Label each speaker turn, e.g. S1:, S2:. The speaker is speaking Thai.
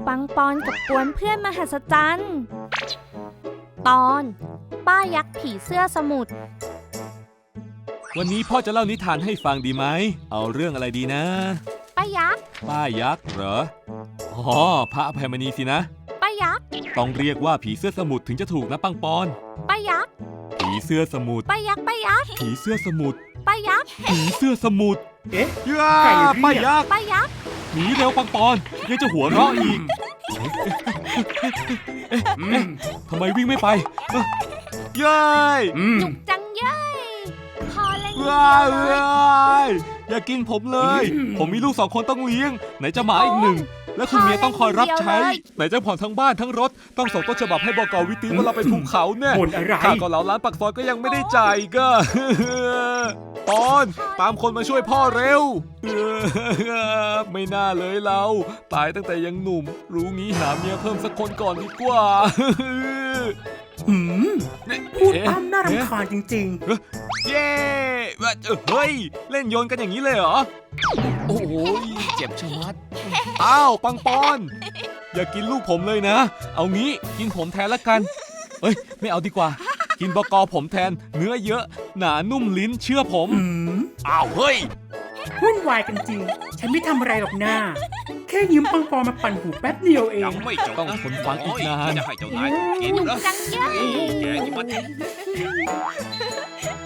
S1: ปังปอนกับกวนเพื่อนมหัศจรรย์ตอนป้ายักษ์ผีเสื้อสมุทร
S2: วันนี้พ่อจะเล่านิทานให้ฟังดีไหมเอาเรื่องอะไรดีนะ
S1: ป้ายักษ์
S2: ป้ายักษ์เหรออ๋อพระอภัยมณีสินะ
S1: ป้ายักษ์
S2: ต้องเรียกว่าผีเสื้อสมุทรถึงจะถูกนะปังปอน
S1: ป้ายักษ์
S2: ผีเสื้อสมุทร
S1: ป้ายักษ์ป้ายักษ์
S2: ผีเสื้อสมุทร
S1: ป้ายักษ์
S2: ผีเสื้อสมุทร
S3: เอ๊ะ
S2: ป้ายักษ์
S1: ป้ายักษ์
S2: หนีเร็วปังปอนยังจะหัวเราะอีกทำไมวิ่งไม่ไปเย้ย
S1: จุกจังเย้ยพอเลย
S2: อย่ากินผมเลยผมมีลูก2 คนต้องเลี้ยงไหนจะหมาอีก1และคุณเมียต้องคอยรับใช้ไหนจะผ่อนทั้งบ้านทั้งรถต้องส่งต้นฉบับให้บก.วิติว่าเราไปภูเขาเนี่ยค่าเกาเหลาร้านปักซอยก็ยังไม่ได้จ่ายก็ปอนตามคนมาช่วยพ่อเร็วไม่น่าเลยเราตายตั้งแต่ยังหนุ่มรู้งี้หาเมียเพิ่มสักคนก่อนดีกว่า
S3: พูดอ้ำน่ารำคาญจริง
S2: ๆเย้เฮ้ยเล่นโยนกันอย่างนี้เลยเหรอโอ้ยเจ็บชะมัดอ้าวปังปอนอย่ากินลูกผมเลยนะเอางี้กินผมแทนละกันเอ้ยไม่เอาดีกว่ากินบก.ผมแทนเนื้อเยอะหนานุ่มลิ้นเชื่อผมอ้าวเฮ้ย
S3: วุ่นวายกันจริงฉันไม่ทำอะไรหรอกหน้าแค่ยืมปังปอมาปั่นหูแป๊บเดียวเอง
S2: ยังไม่จบต้องทนฟังอีกนาน
S1: จะให้เจ้านายกินเหรอแกนี่มัน